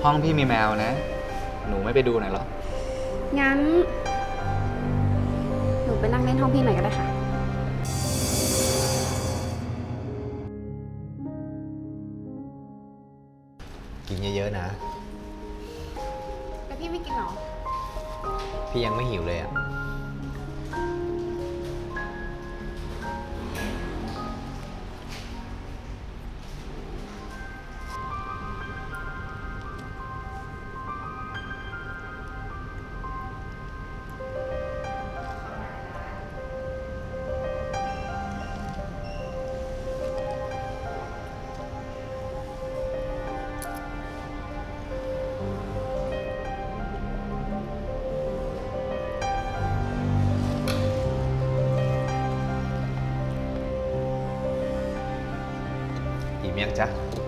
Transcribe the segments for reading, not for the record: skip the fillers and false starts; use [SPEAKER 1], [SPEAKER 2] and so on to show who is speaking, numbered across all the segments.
[SPEAKER 1] ห้องพี่มีแมวนะ หนูไม่ไปดูหน่อยเหรอ
[SPEAKER 2] งั้น หนูไปนั่งเล่นห้องพี่หน่อยก็ได้ค่ะ
[SPEAKER 3] กินเยอะๆนะ
[SPEAKER 2] แต่พี่ไม่กินหรอ
[SPEAKER 3] พี่ยังไม่หิวเลยอ่ะ อิ่มยังจ๊ะ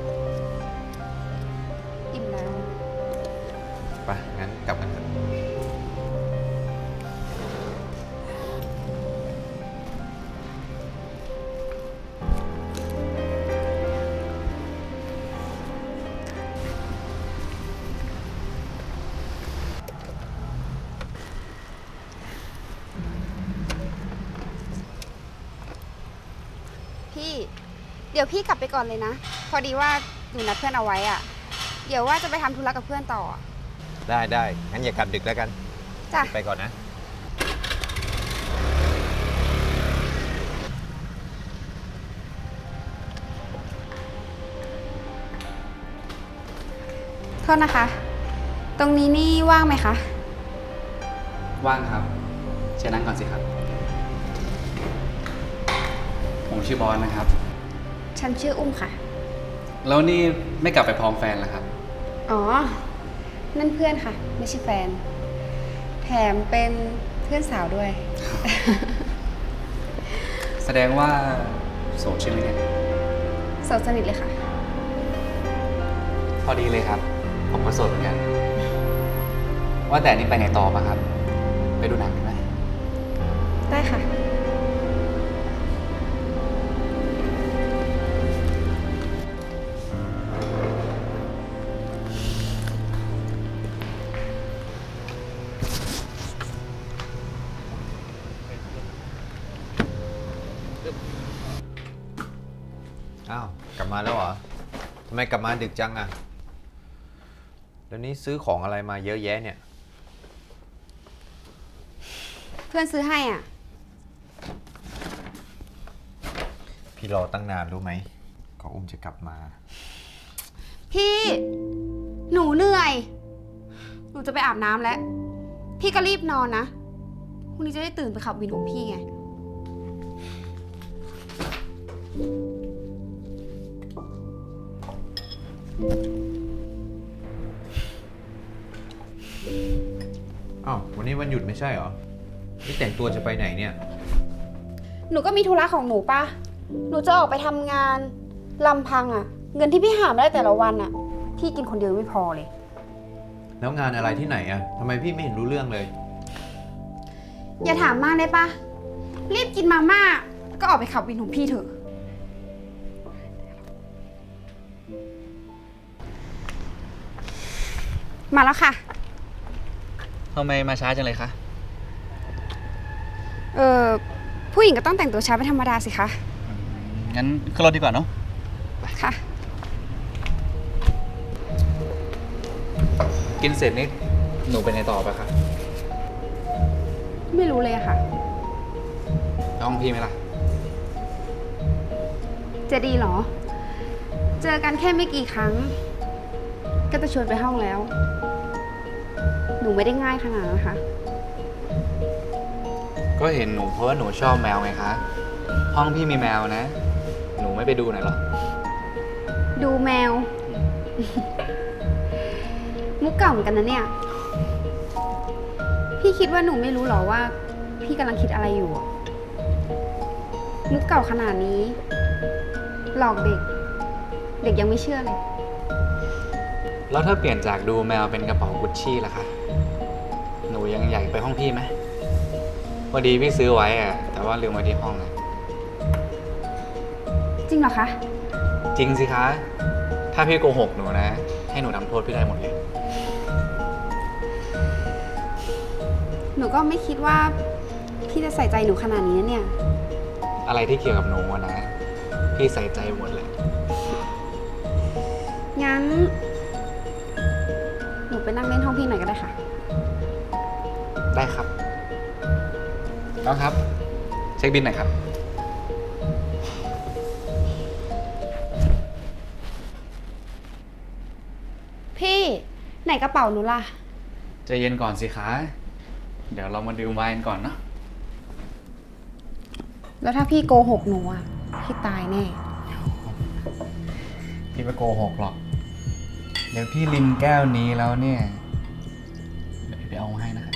[SPEAKER 2] อิ่มแล้ว
[SPEAKER 3] ไปงั้นกลับกันเถอะ
[SPEAKER 2] พี่ เดี๋ยวพี่กลับไปก่อนเลยนะ พอดีว่าหนูนัดเพื่อนเอาไว้อะเดี๋ยวว่าจะไปทำธุระกับเพื่อนต่ออะ
[SPEAKER 3] ได้ งั้นอย่ากลับดึกแล้วกัน
[SPEAKER 2] จ้ะ
[SPEAKER 3] ไปก่อนนะ
[SPEAKER 2] โทษนะคะ ตรงนี้นี่ว่างไหมคะ
[SPEAKER 1] ว่างครับ เชิญนั่งก่อนสิครับ ผมชื่อบอสนะครับ
[SPEAKER 2] ฉันชื่ออุ้มค่ะ
[SPEAKER 1] แล้วนี่ไม่กลับไปพร้อมแฟนเหรอครับ
[SPEAKER 2] อ๋อ นั่นเพื่อนค่ะ ไม่ใช่แฟน แถมเป็นเพื่อนสาวด้วย
[SPEAKER 1] แสดงว่าโสดใช่ไหมเนี่ย
[SPEAKER 2] โสดสนิทเลยค่ะ
[SPEAKER 1] พอดีเลยครับ ผมก็โสดเหมือนกัน ว่าแต่นี่ไปไหนต่อปะครับ ไปดูหนังกันไหม
[SPEAKER 2] ได้ค่ะ
[SPEAKER 3] อ้าว กลับมาแล้วเหรอ ทำไมกลับมาดึกจังอ่ะ แล้วนี่ซื้อของอะไรมาเยอะแยะเนี่ย
[SPEAKER 2] เพื่อนซื้อให้อ่ะ
[SPEAKER 3] พี่รอตั้งนานรู้ไหมก็อุ้มจะกลับมา
[SPEAKER 2] พี่ หนูเหนื่อย หนูจะไปอาบน้ำแล้ว พี่ก็รีบนอนนะ พรุ่งนี้จะได้ตื่นไปขับวินของพี่ไง
[SPEAKER 3] อ้าว วันนี้วันหยุดไม่ใช่เหรอ นี่แต่งตัวจะไปไหนเนี่ย
[SPEAKER 2] หนูก็มีธุระของหนูป่ะ หนูจะออกไปทำงานลำพังอ่ะ เงินที่พี่หามาได้แต่ละวันอ่ะ พี่กินคนเดียวไม่พอเลย
[SPEAKER 3] แล้วงานอะไรที่ไหนอ่ะทำไมพี่ไม่เห็นรู้เรื่องเลย
[SPEAKER 2] อย่าถามมากได้ปะรีบกินมาม่าก็ออกไปขับวินของพี่เถอะ มาแล้วค่ะ
[SPEAKER 1] ทำไมมาช้าจังเลยคะ
[SPEAKER 2] ผู้หญิงก็ต้องแต่งตัวช้าเป็นธรรมดาสิคะ
[SPEAKER 1] งั้นขึ้นรถดีกว่าเนาะ
[SPEAKER 2] ค่ะ
[SPEAKER 1] กินเสร็จนี่หนูไปไหนต่อปะครับ
[SPEAKER 2] ไม่รู้เลยอะค่ะ
[SPEAKER 1] ห้องพี่ไหมล่ะ
[SPEAKER 2] จะดีเหรอ เจอกันแค่ไม่กี่ครั้ง ก็จะชวนไปห้องแล้ว หนูไม่ได้ง่ายขนาดนั้นนะคะ
[SPEAKER 1] ก็เห็นหนูเพราะว่าหนูชอบแมวไงคะ ห้องพี่มีแมวนะ หนูไม่ไปดูหน่อยเหรอ
[SPEAKER 2] ดูแมว มุกเก่าเหมือนกันนะเนี่ย พี่คิดว่าหนูไม่รู้หรอว่า พี่กำลังคิดอะไรอยู่อะมุกเก่าขนาดนี้ หลอกเด็ก เด็กยังไม่เชื่อเลย
[SPEAKER 1] แล้วถ้าเปลี่ยนจากดูแมวเป็นกระเป๋ากุชชี่ล่ะคะ หนูยังอยากไปห้องพี่ไหมพอดีพี่ซื้อไว้อะแต่ว่าลืมไว้ที่ห้องนะ
[SPEAKER 2] จริงเหรอคะ
[SPEAKER 1] จริงสิคะ ถ้าพี่โกหกหนูนะ พให้หนูทำโทษพี่ได้หมดเลย
[SPEAKER 2] หนูก็ไม่คิดว่าพี่จะใส่ใจหนูขนาดนี้นะเนี่ย
[SPEAKER 1] อะไรที่เกี่ยวกับหนูอะนะ พี่ใส่ใจหมดเลย
[SPEAKER 2] งั้น หนูไปนั่งเล่นห้องพี่หน่อยก็ได้ค่ะ
[SPEAKER 1] ได้ครับ น้องครับ เช็คบิลหน่อยครับ
[SPEAKER 2] พี่ไหนกระเป๋าหนูล่ะ
[SPEAKER 1] ใจเย็นก่อนสิคะ เดี๋ยวเรามาดื่มไวน์กันก่อนเนาะ
[SPEAKER 2] แล้วถ้าพี่โกหกหนูอ่ะ พี่ตายแน่
[SPEAKER 1] พี่ไม่โกหกหรอก เดี๋ยวพี่ลินแก้วนี้แล้วเนี่ย เดี๋ยวพี่ไปเอามาให้นะครับ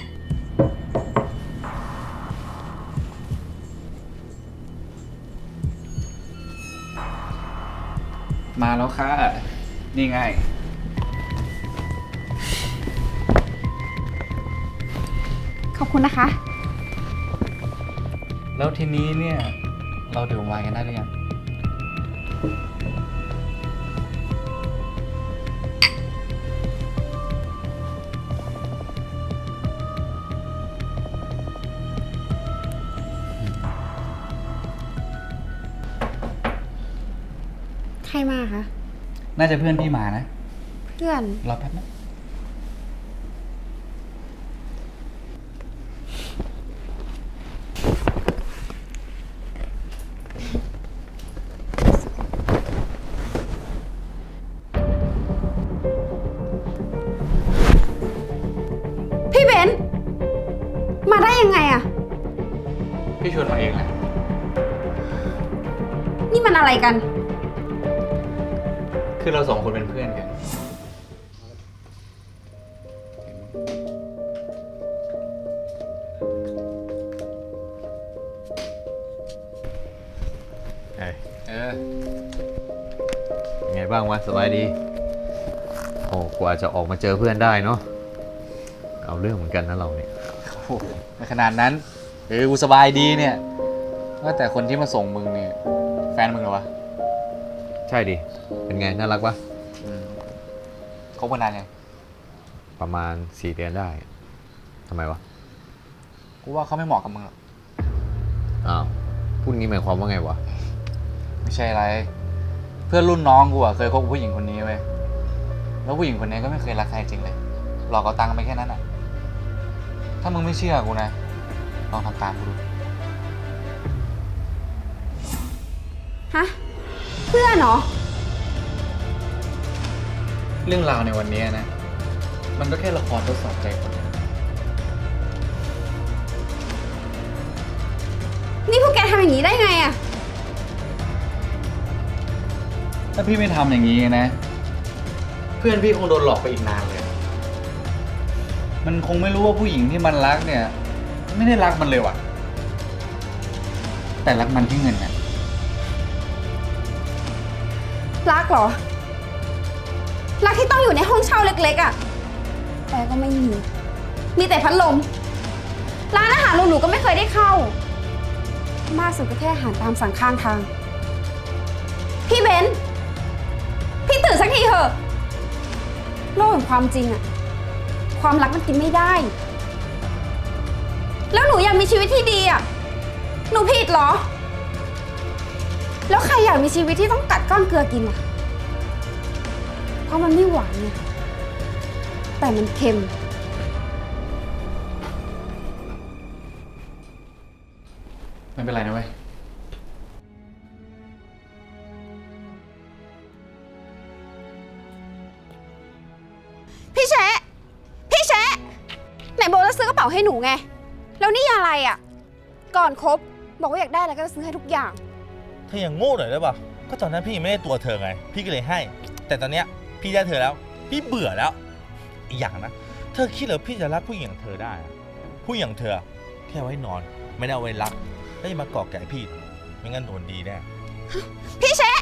[SPEAKER 1] มาแล้วค่ะ นี่ไง
[SPEAKER 2] ขอบคุณนะคะ
[SPEAKER 1] แล้วทีนี้เนี่ย เราดื่มไวน์กันได้หรือยัง
[SPEAKER 2] ใครมาคะ
[SPEAKER 1] น่าจะเพื่อนพี่มานะ
[SPEAKER 2] เพื่อน
[SPEAKER 1] รอแป๊บนะ
[SPEAKER 2] พี่เบนซ์มาได้ยังไงอะ
[SPEAKER 1] พี่ชวนมาเองแหละ
[SPEAKER 2] นี่มันอะไรกัน
[SPEAKER 1] คือเราสองคนเป็นเพื่อนกัน
[SPEAKER 3] เอ้ย
[SPEAKER 1] เออ
[SPEAKER 3] เป็นไงบ้างวะสบายดี โอ้กว่าจะออกมาเจอเพื่อนได้เนาะ เอาเรื่องเหมือนกันนะเราเนี่ย
[SPEAKER 1] โอ้โหไม่ขนาดนั้น กูสบายดีเนี่ย ว่าแต่คนที่มาส่งมึงเนี่ย แฟนมึงเหรอวะ
[SPEAKER 3] ใช่ดิ เป็นไงน่ารักปะ
[SPEAKER 1] คบกันนานยัง
[SPEAKER 3] ประมาณ4 เดือนได้ ทำไมวะ
[SPEAKER 1] กูว่าเขาไม่เหมาะกับมึงหรอก
[SPEAKER 3] อ้าว พูดงี้หมายความว่าไงวะ
[SPEAKER 1] ไม่ใช่อะไร เพื่อนรุ่นน้องกูอะเคยคบกับผู้หญิงคนนี้เว้ย แล้วผู้หญิงคนนี้ก็ไม่เคยรักใครจริงเลย หลอกเอาตังค์ไปแค่นั้นอะถ้ามึงไม่เชื่อกูนะ ลองทำตามกูดู
[SPEAKER 2] ฮะ เพื่อนเหรอ
[SPEAKER 1] เรื่องราวในวันนี้นะ มันก็แค่ละครทดสอบใจคน
[SPEAKER 2] นี่พวกแกทำอย่างนี้ได้ไงอะ
[SPEAKER 1] ถ้าพี่ไม่ทำอย่างนี้นะ เพื่อนพี่คงโดนหลอกไปอีกนานเลย มันคงไม่รู้ว่าผู้หญิงที่มันรักเนี่ย ไม่ได้รักมันเลยว่ะ แต่รักมันที่เงินน่ะ
[SPEAKER 2] รักเหรอ รักที่ต้องอยู่ในห้องเช่าเล็กๆอะแอร์ก็ไม่มี มีแต่พัดลม ร้านอาหารหรูๆก็ไม่เคยได้เข้า มากสุดก็แค่อาหารตามสั่งข้างทาง พี่เบนซ์พี่ตื่นสักทีเถอะ โลกแห่งความจริงอะความรักมันกินไม่ได้ แล้วหนูอยากมีชีวิตที่ดีอะหนูผิดเหรอ แล้วใครอยากมีชีวิตที่ต้องกัดก้อนเกลือกินล่ะ เพราะมันไม่หวานไงแต่มันเค็ม
[SPEAKER 1] ไม่เป็นไรนะเว้ย
[SPEAKER 2] พี่แชะ พี่แชะ ไหนบอกจะซื้อกระเป๋าให้หนูไง แล้วนี่อะไรอ่ะ ก่อนคบบอกว่าอยากได้อะไรก็จะซื้อให้ทุกอย่าง
[SPEAKER 4] เธออย่างโง่หน่อยได้ป่ะ ก็ตอนนั้นพี่ยังไม่ได้ตัวเธอไง พี่ก็เลยให้ แต่ตอนเนี้ยพี่ได้เธอแล้ว พี่เบื่อแล้ว อีกอย่างนะ เธอคิดเหรอพี่จะรักผู้หญิงอย่างเธอได้อะผู้หญิงอย่างเธอแค่เอาไว้นอน ไม่ได้เอาไว้รักแล้วอย่ามาก่อแก่พี่ ไม่งั้นโดนดีแน่
[SPEAKER 2] พี่แชะ